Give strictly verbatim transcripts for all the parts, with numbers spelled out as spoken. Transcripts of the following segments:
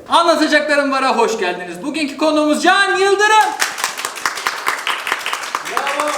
Anlatacaklarım Var'a hoş geldiniz. Bugünkü konuğumuz Can Yıldırım. Bravo.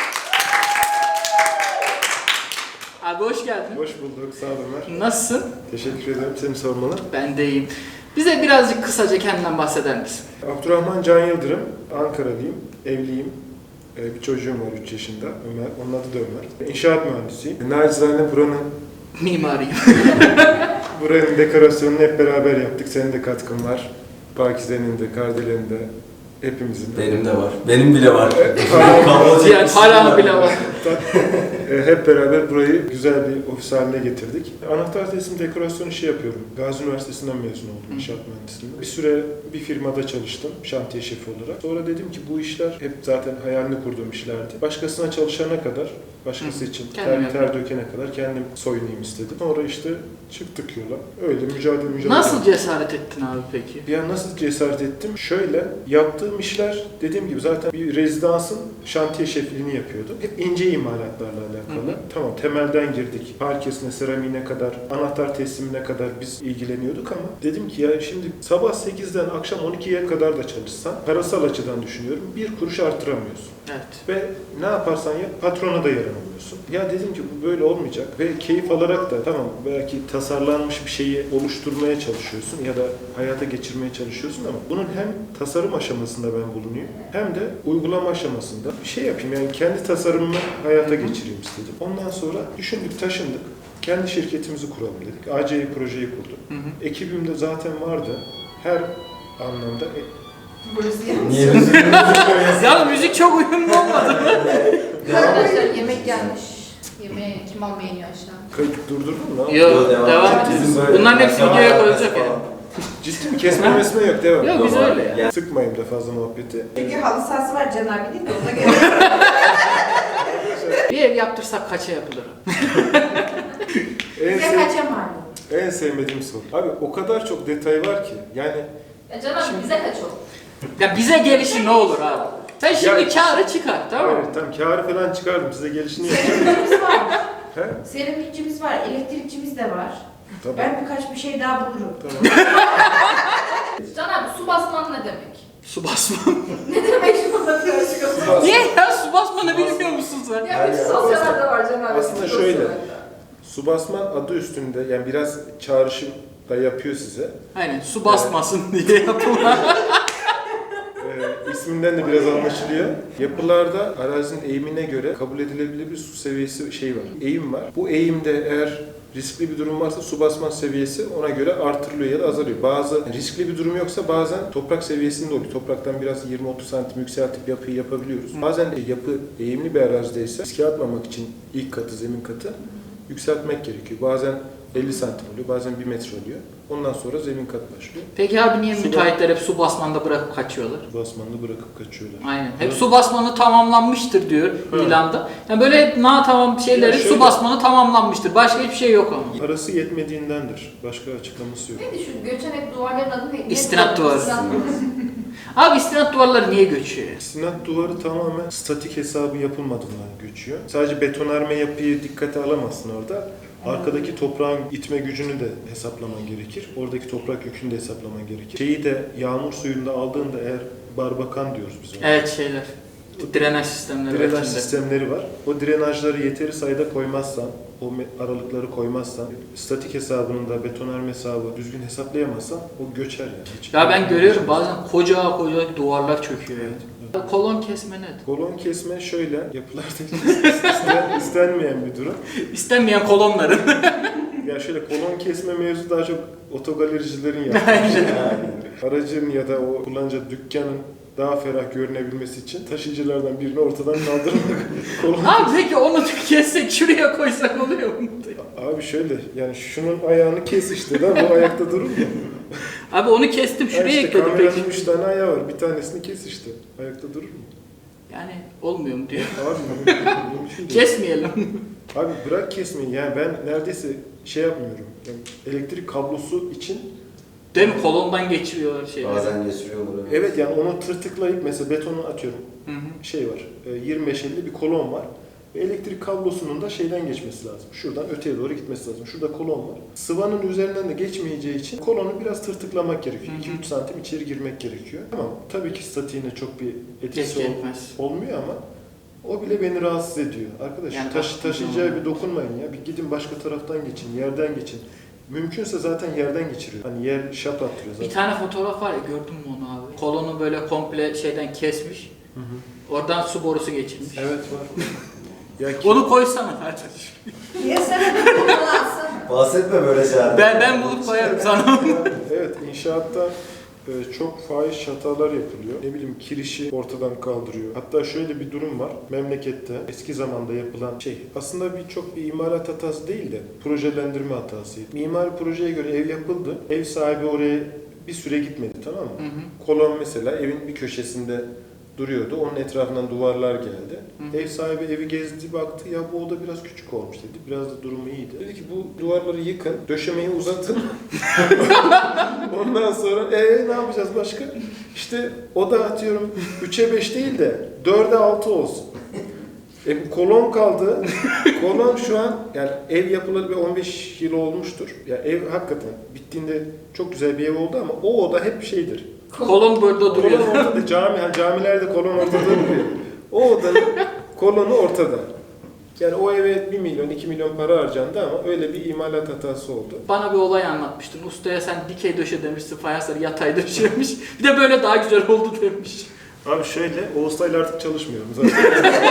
Abi hoş geldin. Hoş bulduk, sağ olun Ömer. Nasılsın? Teşekkür ederim, seni sormalı. Ben de iyiyim. Bize birazcık kısaca kendinden bahseder misin? Abdurrahman Can Yıldırım, Ankaralıyım, evliyim. Ee, bir çocuğum var üç yaşında, Ömer. Onun adı da Ömer. İnşaat mühendisiyim. Nacizane buranın, Mimariyim. buranın dekorasyonunu hep beraber yaptık. Senin de katkın var. Pakize'nin de, Kardelen'in de, hepimizin de. Benim de var. Benim bile var. Yani hala bile var. E, Hep beraber burayı güzel bir ofis haline getirdik. Anahtar teslim dekorasyon işi yapıyorum. Gazi Üniversitesi'nden mezun oldum inşaat mühendisliğinde. Bir süre bir firmada çalıştım şantiye şefi olarak. Sonra dedim ki bu işler hep zaten hayalini kurduğum işlerdi. Başkasına çalışana kadar, başkası için Kendim ter, ter dökene kadar kendim soyunayım istedim. Sonra işte çıktık yola. Öyle mücadele mücadele. Nasıl cesaret ettin abi peki? Ya nasıl cesaret ettim? Şöyle, yaptığım işler dediğim gibi zaten bir rezidansın şantiye şefliğini yapıyordum. Hep ince imalatlarla alakalı. Hı hı. Tamam, temelden girdik. Parkesine, seramiğine kadar, anahtar teslimine kadar biz ilgileniyorduk ama dedim ki ya şimdi sabah sekizden akşam on ikiye kadar da çalışsan, parasal açıdan düşünüyorum, bir kuruş artıramıyorsun. Evet. Ve ne yaparsan yap, patrona da yaranamıyorsun. Ya dedim ki bu böyle olmayacak ve keyif alarak da tamam belki tasarlanmış bir şeyi oluşturmaya çalışıyorsun ya da hayata geçirmeye çalışıyorsun ama bunun hem tasarım aşamasında ben bulunuyum hem de uygulama aşamasında bir şey yapayım. Yani kendi tasarımımı hayata geçireyim istedim. Ondan sonra düşündük, taşındık. Kendi şirketimizi kuralım dedik. A C İ projeyi kurdum. Hı hı. Ekibimde zaten vardı. Her anlamda e, Burası yanlış. Niye müzik koyuyorsun? Ya müzik çok uyumlu olmadı mı? Arkadaşlar yemek gelmiş. Yemeği kim almayı yeniyor aşağı? kayıt durdurdun mu? Yok, Devam devam et. ediyoruz. Bizim böyle Bunların hepsi devam videoya et koyulacak falan. yani. Ciddi mi? Kesme mesme yok, devam. Yok biz öyle ya. Yani. Sıkmayayım da fazla muhabbeti. Çünkü halı sahası var Can abi değil mi? Ona göre. Bir ev yaptırsak kaça yapılır? En, Bize sev- kaça malum? en sevmediğim soru. Abi o kadar çok detay var ki. Yani Ya Can abi bize kaç oldu? Ya bize gelişi ne olur abi? Sen şimdi Ya- kârı çıkar tamam mı? evet, tam kârı falan çıkardım. Size gelişini yapacağım. Seramikçimiz var. He? Seramikçimiz var. Elektrikçimiz de var. Tamam. Ben birkaç bir şey daha bulurum. Tamam. Can abi su basman ne demek? Su basma. Ne demek şu anda karışık? Niye ya su basmanı bilmiyor musun sen? Ya bütün sosyallerde var Can abi. Aslında bütün şöyle. sosyallerde. Su basman adı üstünde. Yani biraz çağrışım da yapıyor size. Aynen su basmasın diye yapılan. Ee, isminden de biraz anlaşılıyor. Yapılarda arazinin eğimine göre kabul edilebilir bir su seviyesi şey var. Eğim var. Bu eğimde eğer riskli bir durum varsa su basma seviyesi ona göre artırılıyor ya da azalıyor. Bazı riskli bir durum yoksa bazen toprak seviyesinde oluyor. Topraktan biraz yirmi otuz santim yükseltip yapıyı yapabiliyoruz. Bazen de yapı eğimli bir arazideyse riske atmamak için ilk katı, zemin katı yükseltmek gerekiyor. Bazen elli santim oluyor, bazen bir metre oluyor. Ondan sonra zemin kat başlıyor. Peki abi niye Su müteahhitler hep su basmanda bırakıp kaçıyorlar? Su basmanını bırakıp kaçıyorlar. Aynen. Hep su basmanı tamamlanmıştır diyor Evet. ilanda. Yani böyle hep na tamam şeylerin Ya şöyle- su basmanı tamamlanmıştır. Başka hiçbir şey yok ama. Parası yetmediğindendir. Başka açıklaması yok. Neydi şu göçenek duvarların adı ne? İstinat duvarı. İstinat duvarı. Abi istinat duvarları niye göçüyor? Sinat duvarı tamamen statik hesabı yapılmadığından göçüyor. Sadece betonarme yapıyı dikkate alamazsın orada. Arkadaki toprağın itme gücünü de hesaplaman gerekir. Oradaki toprak yükünü de hesaplaman gerekir. Şeyi de yağmur suyunda aldığında eğer barbakan diyoruz biz ona. Evet şeyler. Bu drenaj sistemleri. var Drenaj içinde. sistemleri var. O drenajları yeteri sayıda koymazsan, o me- aralıkları koymazsan, statik hesabının da betonarme hesabı düzgün hesaplayamazsan o göçer yani. Hiç- Ya ben görüyorum bazen koca koca duvarlar çöküyor yani. Kolon kesme nedir? Kolon kesme şöyle, yapılarda isten- istenmeyen bir durum. İstenmeyen kolonların. Ya şöyle kolon kesme mevzu daha çok otogalericilerin yaptığı bir şey. Aracın ya da o kullanıcı dükkanın daha ferah görünebilmesi için taşıyıcılardan birini ortadan kaldırmak. kolon... Abi peki onu kessek şuraya koysak oluyor mu? Abi şöyle yani şunun ayağını kes işte da bu ayakta durur mu? Abi onu kestim Ya şuraya işte ekledim kameranın peki. üç tane ayağı var, bir tanesini kes işte. Ayakta durur mu? Yani olmuyor mu diyor. Abi bu- mümkün değil. Kesmeyelim. Abi bırak kesmeyi yani ben neredeyse şey yapmıyorum. Yani elektrik kablosu için Değil mi? Kolondan geçiriyorlar şeyleri. Bazen geçiriyorlar. evet yani onu tırtıklayıp mesela betonu atıyorum. Hı hı. Şey var, e, yirmi beş elli bir kolon var. Ve elektrik kablosunun da şeyden geçmesi lazım. Şuradan öteye doğru gitmesi lazım. Şurada kolon var. Sıvanın üzerinden de geçmeyeceği için kolonu biraz tırtıklamak gerekiyor. iki üç santim içeri girmek gerekiyor. Tamam. Tabii ki statiğine çok bir etkisi Etki ol- etmez. olmuyor ama o bile beni rahatsız ediyor. Arkadaş Yani taş, baktığın taşıyacağı zaman- bir dokunmayın ya. Bir gidin başka taraftan geçin, yerden geçin. Mümkünse zaten yerden geçiriyor. Hani yer şap attırıyor zaten. Bir tane fotoğraf var ya, gördün mü onu abi? Kolonu böyle komple şeyden kesmiş. Hı hı. Oradan su borusu geçirmiş. Evet var. Ya ki- Onu koysana kardeşim. Niye sen de kullansın? Bahsetme böyle şeyler. Ben ben bulup koyarım sana. Evet, inşaatta e, çok fahiş hatalar yapılıyor. Ne bileyim kirişi ortadan kaldırıyor. Hatta şöyle bir durum var. Memlekette eski zamanda yapılan şey aslında birçok bir imalat hatası değil de projelendirme hatasıydı. Mimari projeye göre ev yapıldı. Ev sahibi oraya bir süre gitmedi, tamam mı? Hı hı. Kolon mesela evin bir köşesinde duruyordu. Onun etrafından duvarlar geldi. Hı. Ev sahibi evi gezdi, baktı. Ya bu oda biraz küçük olmuş dedi. Biraz da durumu iyiydi. Dedi ki bu duvarları yıkın, döşemeyi uzatın. Ondan sonra ee ne yapacağız başka? İşte oda atıyorum üçe beş değil de dörde altı olsun. E, kolon kaldı. Kolon şu an yani ev yapılalı bir on beş yıl olmuştur. Ya ev hakikaten bittiğinde çok güzel bir ev oldu ama o oda hep şeydir. Kolon burada duruyor. Kolon ortada. Cami, yani camilerde kolon ortada duruyor. O odanın kolonu ortada. Yani o eve bir milyon, iki milyon para harcandı ama öyle bir imalat hatası oldu. Bana bir olay anlatmıştın. Ustaya sen dikey döşe demişsin, fayansları yatay döşemiş. Bir de böyle daha güzel oldu demiş. Abi şöyle, o ustayla artık çalışmıyorum zaten.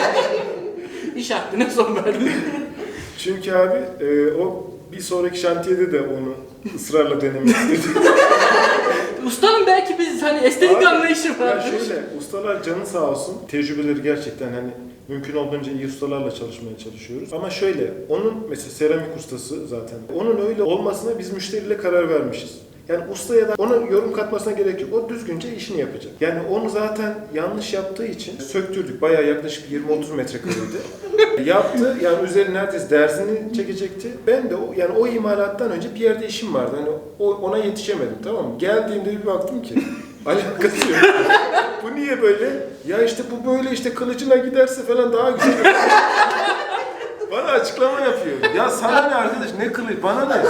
İş hakkına son verdin. Çünkü abi e, o bir sonraki şantiyede de onu ısrarla denemek istedi. Ustanın belki biz hani estetik Abi, anlayışı Ya var. şöyle, ustalar canı sağ olsun. Tecrübeleri gerçekten hani mümkün olduğunca iyi ustalarla çalışmaya çalışıyoruz. Ama şöyle, onun mesela seramik ustası zaten. Onun öyle olmasına biz müşteriyle karar vermişiz. Yani ustaya da ona yorum katmasına gerek yok. O düzgünce işini yapacak. Yani onu zaten yanlış yaptığı için söktürdük. Bayağı yaklaşık yirmi otuz metrekareydi. Yaptı. Yani üzerine neredeyse dersini çekecekti. Ben de o, yani o imalattan önce bir yerde işim vardı. Hani o, ona yetişemedim, tamam mı? Geldiğimde bir baktım ki alakası yok. Bu niye böyle? Ya işte bu böyle işte kılıcına giderse falan daha güzel. Bana açıklama yapıyor. Ya sana ne arkadaş, ne kılıç, bana ne?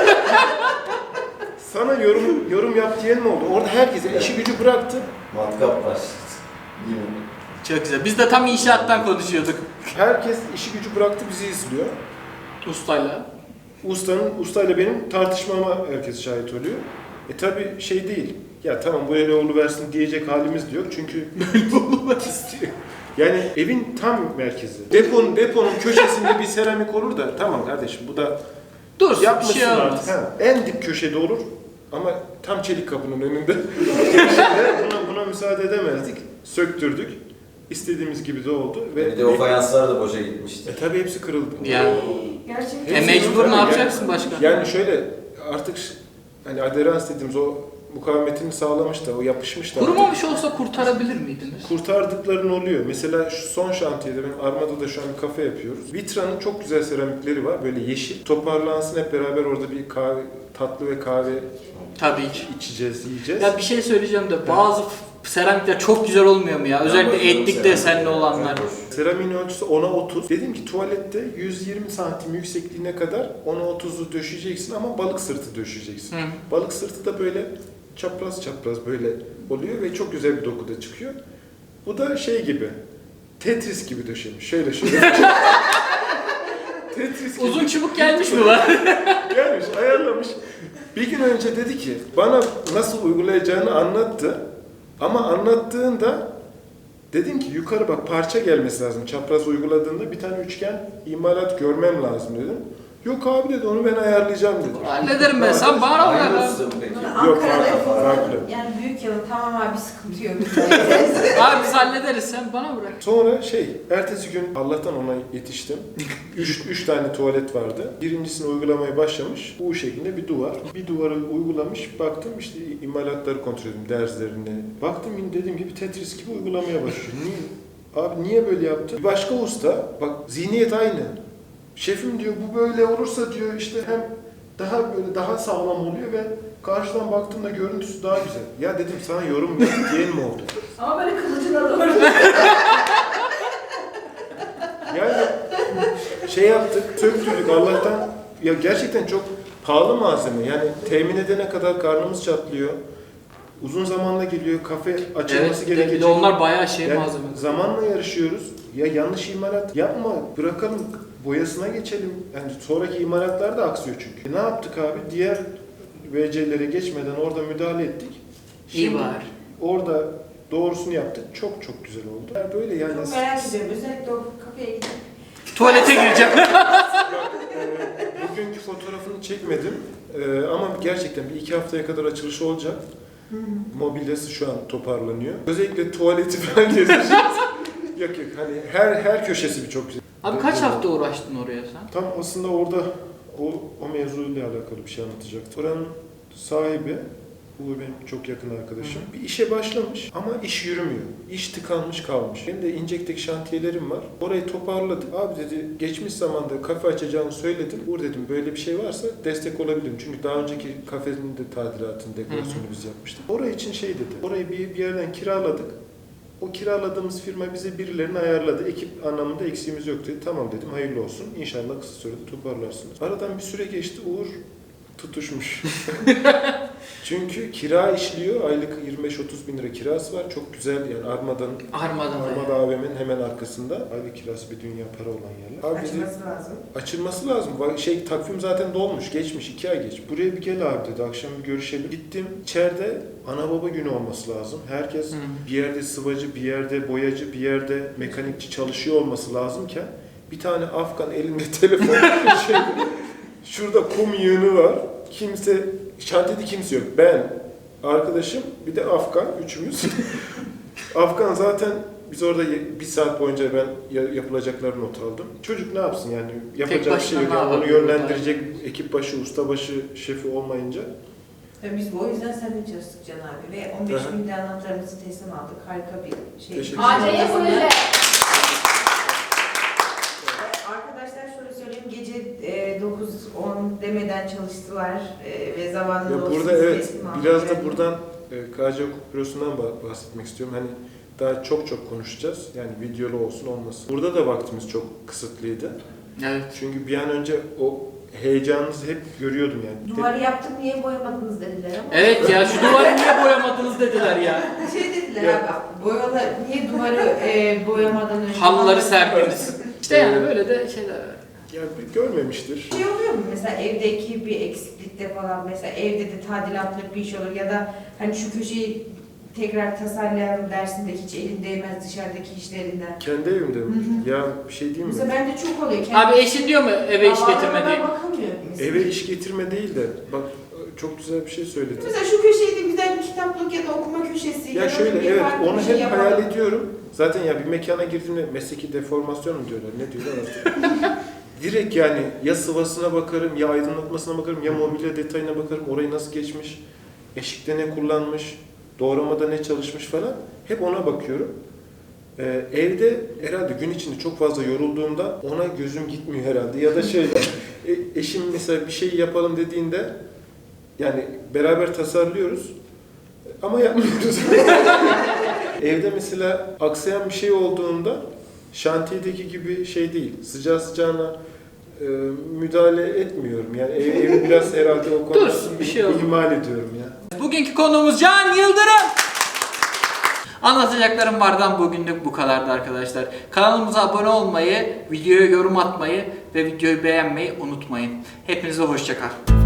Sana yorum yorum yap diyen mi oldu? Orada herkes işi gücü bıraktı. Matkap var. Yine. Çok güzel. Biz de tam inşaattan konuşuyorduk. Herkes işi gücü bıraktı, bizi izliyor. Ustayla. Ustanın, ustayla benim tartışmama herkes şahit oluyor. E tabi şey değil. Ya tamam bu öyle oluversin diyecek halimiz de yok çünkü böyle olmak istiyor. Yani evin tam merkezi. Deponun, deponun köşesinde bir seramik olur da tamam kardeşim bu da Dur, bir yapmışsın şey olmaz. artık. Ha, en dip köşede olur ama tam çelik kapının önünde. Köşede buna, buna müsaade edemezdik. Söktürdük. İstediğimiz gibi de oldu. Ve Bir de o fayanslar da boşa gitmişti. E tabi hepsi kırıldı. Yani. Gerçekten. E mecbur ne yapacaksın başka? Yani şöyle artık hani aderans dediğimiz o mukavemetini sağlamış da o yapışmış da. Kurumamış olsa kurtarabilir miydiniz? Kurtardıkların oluyor. Mesela şu son şantiyede ben Armada'da şu an bir kafe yapıyoruz. Vitra'nın çok güzel seramikleri var. Böyle yeşil. Toparlansın hep beraber orada bir kahve, tatlı ve kahve Tabii ki. içeceğiz, yiyeceğiz. Ya bir şey söyleyeceğim de bazı f- seramikler çok güzel olmuyor mu ya? Özellikle etlik desenli olanlar. Seramiğin ölçüsü ona otuz. Dedim ki tuvalette yüz yirmi santim yüksekliğine kadar ona otuzu döşeyeceksin ama balık sırtı döşeyeceksin. Hı. Balık sırtı da böyle çapraz çapraz böyle oluyor ve çok güzel bir dokuda çıkıyor. Bu da şey gibi, Tetris gibi döşemiş. Şöyle şöyle. Tetris gibi. Uzun çubuk gelmiş mi var? Gelmiş, ayarlamış. Bir gün önce dedi ki, bana nasıl uygulayacağını anlattı. Ama anlattığında dedim ki yukarı bak parça gelmesi lazım. Çapraz uyguladığında bir tane üçgen imalat görmem lazım dedim. Yok abi dedi onu ben ayarlayacağım dedi. Hallederim ben. Sen bana Aynı ver. usta mı peki? Yok, Ankara'da farklı, yapılsa, farklı. yani büyük yılın tamamen bir sıkıntı yok. Abi biz hallederiz. Sen bana bırak. Sonra şey, ertesi gün Allah'tan ona yetiştim. Üç, üç tane tuvalet vardı. Birincisini uygulamaya başlamış. Bu şeklinde bir duvar. Bir duvarı uygulamış. Baktım işte imalatları kontrol ettim, derslerini. Baktım yine dediğim gibi Tetris gibi uygulamaya başlıyor. Niye? Abi niye böyle yaptı? Bir başka usta, bak zihniyet aynı. Şefim diyor bu böyle olursa diyor işte hem daha böyle daha sağlam oluyor ve karşıdan baktığımda görüntüsü daha güzel. Ya dedim sana yorum yap diyen mi oldu? Ama böyle kılıcına doğru. Yani şey yaptık, söktürdük Allah'tan. Ya gerçekten çok pahalı malzeme. Yani temin edene kadar karnımız çatlıyor. Uzun zamanla geliyor. Kafe açılması Evet, bir de, gerekecek. bir de onlar bayağı şey Yani malzeme. zamanla yarışıyoruz. Ya yanlış imalat yapma, bırakalım boyasına geçelim. Yani sonraki imalatlar da aksıyor çünkü. E ne yaptık abi? Diğer V C'lere geçmeden orada müdahale ettik. İyi var. Orada doğrusunu yaptık. Çok çok güzel oldu. Yani böyle yani. Çok merak ediyorum. Özellikle o kafeye gidip Tuvalete gireceğim. Ee, bugünkü fotoğrafını çekmedim. Ee, ama gerçekten bir iki haftaya kadar açılışı olacak. Mobilyası şu an toparlanıyor. Özellikle tuvaleti falan gezeceğiz. Yok yok hani her her köşesi bir çok güzel. Abi kaç hafta uğraştın oraya sen? Tam aslında orada o, o mevzuyla alakalı bir şey anlatacaktım. Oranın sahibi, bu benim çok yakın arkadaşım. Bir işe başlamış ama iş yürümüyor. İş tıkanmış kalmış. Benim de İncek'teki şantiyelerim var. Orayı toparladık. Abi dedi geçmiş zamanda kafe açacağını söyledim. Uğur dedim böyle bir şey varsa destek olabilirim. Çünkü daha önceki kafenin de tadilatını, dekorasyonu biz yapmıştık. Orayı için şey dedi. Orayı bir, bir yerden kiraladık. O kiraladığımız firma bize birilerini ayarladı. Ekip anlamında eksiğimiz yok dedi. Tamam dedim hayırlı olsun. İnşallah kısa sürede toparlarsınız. Aradan bir süre geçti. Uğur tutuşmuş. Çünkü kira işliyor. Aylık yirmi beş otuz bin lira kirası var. Çok güzel yani Armada'nın Armada mı? Armada A V M'nin hemen arkasında. Aylık kirası bir dünya para olan yerler. Abi dedi, açması lazım. açılması lazım. Bak şey takvim zaten dolmuş. Geçmiş. iki ay geç. Buraya bir gel abi dedi. Akşam bir görüşelim. Gittim. İçeride ana baba günü olması lazım. Herkes Hı. bir yerde sıvacı, bir yerde boyacı, bir yerde mekanikçi çalışıyor olması lazımken bir tane Afgan elinde telefon şey, şurada kum yığını var. Kimse, şantiyede kimse yok. Ben, arkadaşım, bir de Afgan, üçümüz. Afgan zaten biz orada bir saat boyunca ben yapılacakları not aldım. Çocuk ne yapsın yani yapacak bir şey başına yok. ne Yani onu yapabilir yönlendirecek ekip başı, usta başı, şefi olmayınca. Ve biz o yüzden seninle çalıştık Can abi ve on beş Hı hı. bin lira anahtarımızı teslim aldık. Harika bir şey. Teşekkür A C'ye proje. Arkadaşlar şöyle söyleyeyim, gece e, dokuz on demeden çalıştılar e, ve zamanında Ya o burada sizi evet teslim aldık. biraz da Yani buradan e, K C Hukuk Bürosu'ndan bah- bahsetmek istiyorum. Hani daha çok çok konuşacağız. Yani videolu olsun olmasın. Burada da vaktimiz çok kısıtlıydı. Evet. Çünkü bir an önce o heyecanınızı hep görüyordum yani. duvarı yaptık niye boyamadınız dediler ama. Evet ya şu duvarı niye boyamadınız dediler ya. Şey dediler Ya. abi, boyalar niye duvarı e, boyamadan önce... Halıları serdiniz. İşte yani böyle de şeyler var. Ya bir görmemiştir. Şey oluyor mu mesela evdeki bir eksiklikte falan, mesela evde de tadilatlık bir iş olur ya da hani şu köşeyi tekrar tasarlayalım dersinde hiç elin değmez dışarıdaki işlerinden. Kendi evimde mi? Hı Ya bir şey diyeyim mi? Mesela bende çok oluyor. Abi eşin diyor mu eve iş getirme diye? Ben bakamıyorum mesela. Eve iş getirme değil de bak çok güzel bir şey söyledin. Mesela şu köşeyi de güzel bir kitaplık ya da okuma köşesi. Ya da şöyle bir evet farklı onu bir şey hep yapalım. hayal ediyorum. Zaten ya bir mekana girdiğimde mesleki deformasyon mu diyorlar ne diyorlar artık. Direkt yani ya sıvasına bakarım ya aydınlatmasına bakarım ya mobilya detayına bakarım orayı nasıl geçmiş, eşikte ne kullanmış, doğramada ne çalışmış falan hep ona bakıyorum. Ee, evde herhalde gün içinde çok fazla yorulduğumda ona gözüm gitmiyor herhalde ya da şey e, eşim mesela bir şey yapalım dediğinde yani beraber tasarlıyoruz ama yapmıyoruz. Evde mesela aksayan bir şey olduğunda şantiyedeki gibi şey değil. Sıcağı sıcağına e, müdahale etmiyorum. Yani ev, evi biraz herhalde o konuda Dursun, bir şey olmaz. ihmal ediyorum ya. Bugünkü konuğumuz Can Yıldırım. Anlatacaklarım vardan bugünlük bu kadardı arkadaşlar. Kanalımıza abone olmayı, videoya yorum atmayı ve videoyu beğenmeyi unutmayın. Hepinize hoşça kal.